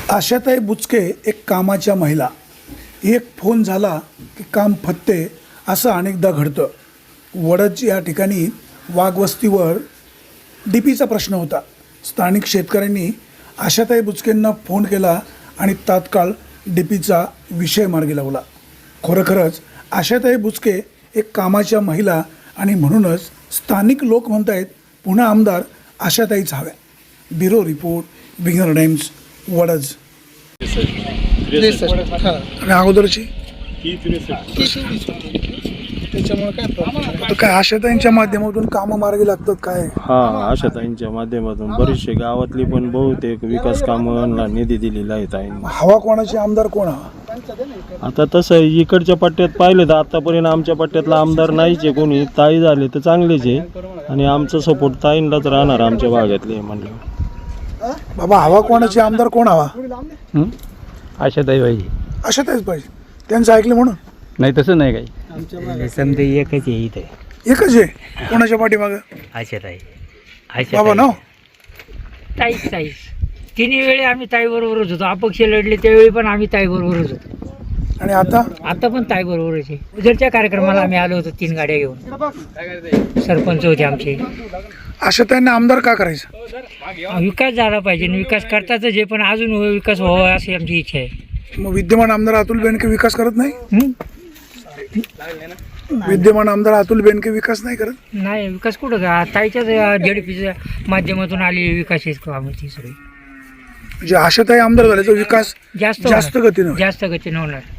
आशाताई बुचके एक कामाच्या महिला. एक फोन झाला की काम फत्ते असं अनेकदा घडतं. वडद या ठिकाणी वाघवस्तीवर डीपीचा प्रश्न होता. स्थानिक शेतकऱ्यांनी आशाताई बुचकेंना फोन केला आणि तात्काळ डीपीचा विषय मार्गी लावला. खरोखरच आशाताई बुचके एक कामाच्या महिला आणि म्हणूनच स्थानिक लोक म्हणतायत पुन्हा आमदार आशाताईच हव्या. ब्युरो रिपोर्ट, विघ्नर टाइम्स, वडद. आणि अगोदरची त्याच्यामुळे काय काय आशाताईंच्या माध्यमातून कामं मार्गी लागतात काय? हा, आशाताईंच्या माध्यमातून बरीचशी गावातली पण बहुतेक विकास कामांना निधी दिलेला आहे ताईंनी. हवा कोणाची, आमदार कोण हवा? आता तसं इकडच्या पट्ट्यात पाहिलं तर आतापर्यंत आमच्या पट्ट्यातला आमदार नाहीच आहे कोणी. ताई झाले तर चांगलेच आहे आणि आमचा सपोर्ट ताईंलाच राहणार आमच्या भागातले म्हणलं. बाबा हवा कोणाची, आमदार कोण हवा? आशाताई पाहिजे. आशाताईच पाहिजे. त्यांचं ऐकलं म्हणून नाही तसं नाही काही समजा एकच आहे इथे. एकच आहे. कोणाच्या पाठीमागं? आशाताई. बाबा ना ताईच तिन्ही वेळी आम्ही ताईबरोबरच होतो. अपक्ष लढले त्यावेळी पण आम्ही ताईबरोबरच होतो आणि आता पण ताईबरोबरच आहे. उद्याच्या कार्यक्रमाला आम्ही आलो होतो 3 गाड्या घेऊन. सरपंच होते आमचे. आशाताईंना आमदार का करायचं? विकास झाला पाहिजे आणि विकास करताच आहे, पण अजून विकास व्हावा अशी आमची इच्छा आहे. मग विद्यमान आमदार अतुल बेनके विकास करत नाही? हं? विद्यमान आमदार अतुल बेनके विकास नाही करत? नाही विकास कुठं का ताईच्याच जेडपीच्या माध्यमातून आली विकास आमची सगळी. म्हणजे आशाताई आमदार झाल्याचा विकास जास्त गतीनं होईल. जास्त गतीनं होणार.